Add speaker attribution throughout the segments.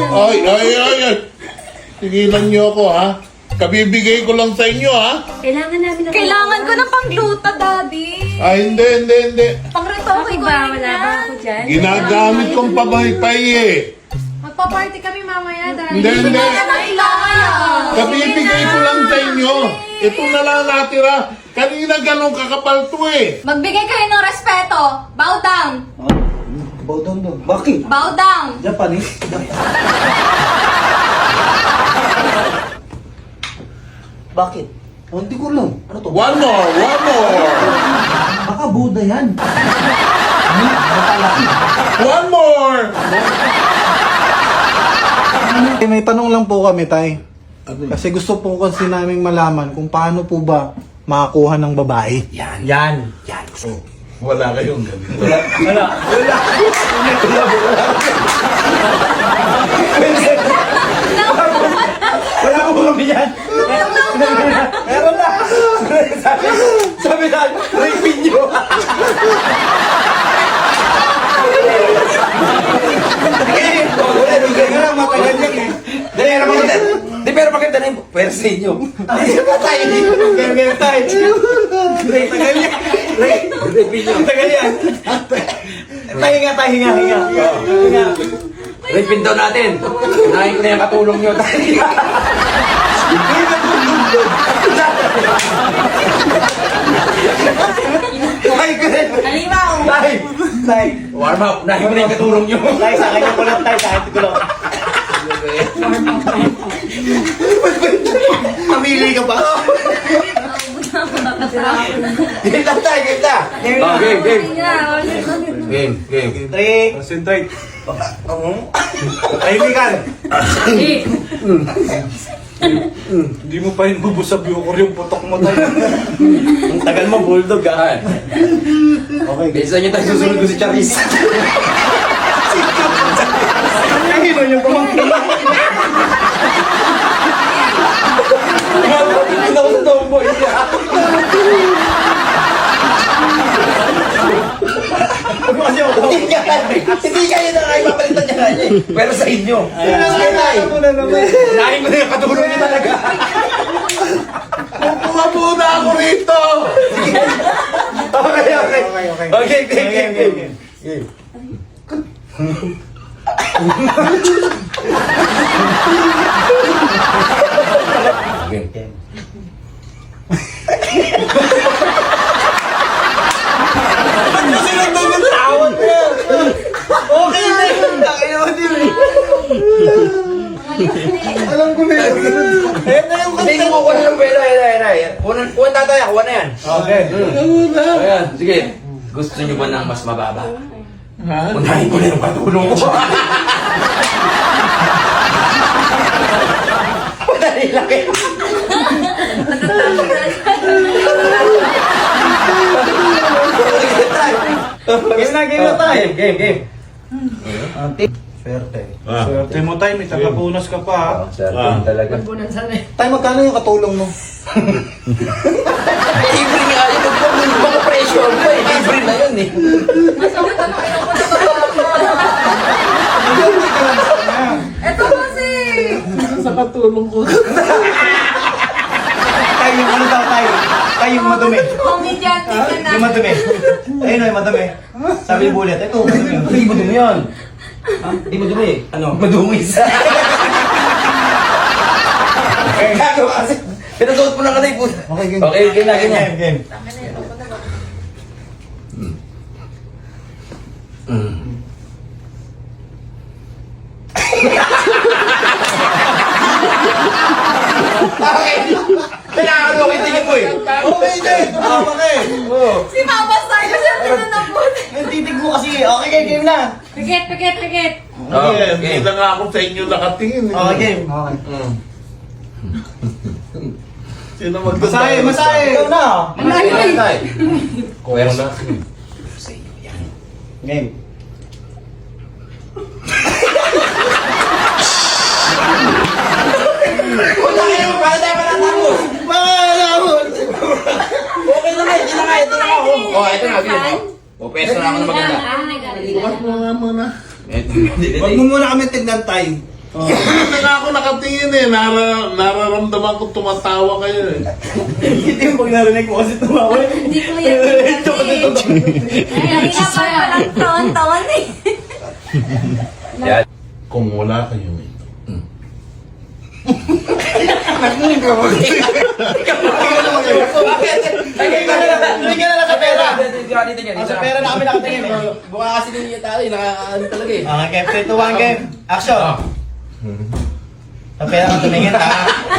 Speaker 1: Ay. Tigilan niyo ako, ha? Kabibigay ko lang sa inyo, ha?
Speaker 2: Kailangan namin ng
Speaker 3: Kailangan ko ng pangluta, Daddy.
Speaker 1: Ay, hindi.
Speaker 3: Pangretoke ko
Speaker 2: ba?
Speaker 3: yun
Speaker 2: Wala ba
Speaker 3: yan.
Speaker 2: ako dyan?
Speaker 1: Ginagamit kong pabaypay, eh.
Speaker 3: Magpa-party kami mamaya, Daddy.
Speaker 1: Hindi.
Speaker 3: Kailangan yan.
Speaker 1: Kabibigay ko lang sa inyo. Ito na lang natira. Kanina ganong kakapal to, eh.
Speaker 3: Magbigay kayo ng respeto. Bow down.
Speaker 4: Bow down daw. Bakit?
Speaker 3: Bow down.
Speaker 4: Japanese? Bakit? Oh, hindi ko alam. Ano to?
Speaker 1: One more.
Speaker 4: Baka Buddha yan. Matalaki.
Speaker 1: One more.
Speaker 5: May tanong lang po kami, Tay. Kasi gusto po kasi naming malaman kung paano po ba makakuha ng babae.
Speaker 4: Yan.
Speaker 1: Wala kayong ganito.
Speaker 4: Wala ko kami yan. Meron na. Sabi na, rapin nyo. Matagal yan eh. Dali, ano maganda? Di, pero maganda na yung pwersa inyo. Di ba tayo? Ganyan tayo. Tagal yan. Rapin nyo. Tagal yan. Hinga.
Speaker 6: Rapin daw natin. Unahin ko na yung katulong nyo.
Speaker 3: Halimaw.
Speaker 4: Tay.
Speaker 6: Warm up. Unahin ko na yung katulong nyo.
Speaker 4: Tay, sa akin yung kulot, tay. Sa akin yung kulot. Mamili ka ba? Game lang tayo, game na.
Speaker 6: Oh, game.
Speaker 4: Three. Concentrate. Tahimikan. Hindi mo pa hinubusab yung putok mo tayo. Ang tagal mo, bulldog ah. Okay.
Speaker 6: Bisa nyo tayo susunod ko si Charis.
Speaker 4: Hino yung kumangkin.
Speaker 6: Hindi ako sa tomboy.
Speaker 4: Hindi kayo na kayo mapalitan niya kanya eh.
Speaker 6: Pero sa inyo.
Speaker 4: Unahin ko na yung katulong niya talaga.
Speaker 1: Pumapuna ako rito.
Speaker 4: Okay. Game. Kasi nandun yung tawag niya. Okay na yun. Alam ko na yun. Ayan na yung
Speaker 6: Hindi ko kukuha ng pera. Kuha tatay. Kuha na yan.
Speaker 4: Okay.
Speaker 6: Ayan. Sige. Gusto nyo ba ng mas mababa?
Speaker 1: Ha?
Speaker 6: Unahin ko na yung katulong ko.
Speaker 4: Madali lang eh. Game na tayo. Game. Swerte.
Speaker 5: Swerte mo, Tay. May tagapunas ka pa, ha?
Speaker 6: Certain talaga.
Speaker 5: Tay, magkano yung katulong mo?
Speaker 6: Libre nga yun. Mga pressure pa eh. Libre na yun eh.
Speaker 3: Ito kasi.
Speaker 1: Sa katulong ko.
Speaker 4: Tayo yung ano daw tayo? Tayo yung madumi.
Speaker 3: Comedian din yan
Speaker 4: Yung madumi. Ayun o, yung madumi. Sabi ni Bullet, ito, madumi.
Speaker 6: Hindi mo dumi yan. Hindi mo dumi. Ano? Madumis.
Speaker 4: Gago kasi.
Speaker 6: Pinasuot mo na ka na yung
Speaker 4: Okay, game.
Speaker 6: Okay, ganyan.
Speaker 4: Game.
Speaker 6: Okay. Kailangan mo kitingin mo eh.
Speaker 4: Okay, game. Tama ka eh.
Speaker 3: Si Papa Star kasi ang tinanapot.
Speaker 4: Yung titig mo kasi. Okay, game na.
Speaker 2: Pikit.
Speaker 6: Oh,
Speaker 1: Hindi
Speaker 6: okay.
Speaker 1: na nga ako sa inyo nakatingin. eh.
Speaker 4: Okay, game. Okay.
Speaker 1: Sino magdadaya?
Speaker 4: Masahe. Ikaw na.
Speaker 6: Kailangan tayo. Meron na.
Speaker 4: Game.
Speaker 6: Wala kayo. Para tayo matatapos. Okay na nga. Ito na nga. Oh, ito na. O, peso na ako na maganda.
Speaker 1: Bukas mo nga muna.
Speaker 4: Huwag mo muna kami tignan tayo.
Speaker 1: Hindi nga ako nakatingin eh. Nararamdaman ko tumatawa kayo eh.
Speaker 6: Hindi mo pag narinig mo kasi tumawa.
Speaker 2: Hindi ko yan.
Speaker 3: Ay, na pa palang taon-taon eh.
Speaker 4: Yan.
Speaker 1: Kung wala kayong ito.
Speaker 6: Lagay ka na lang sa pera.
Speaker 4: Dito niya, dito
Speaker 6: Sa
Speaker 4: na.
Speaker 6: pera na kami nakatingin eh.
Speaker 4: Buka kasi din yung tali, nakaano talaga eh.
Speaker 6: Okay, 3, 2, 1, game. Action. Sa pera ka tumingin ha.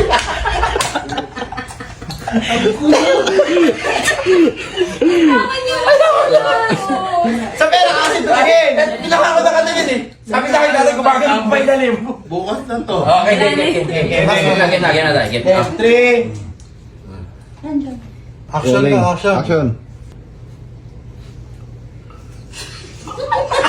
Speaker 6: Sa pera ka kasi tumingin.
Speaker 4: Pinaka ko na katingin eh. Sabi sa akin dati gumagamit pa ilalim.
Speaker 1: Bukas na to.
Speaker 4: Okay, game. Game na. Game.
Speaker 6: 3.
Speaker 5: Action na, action.
Speaker 7: Action.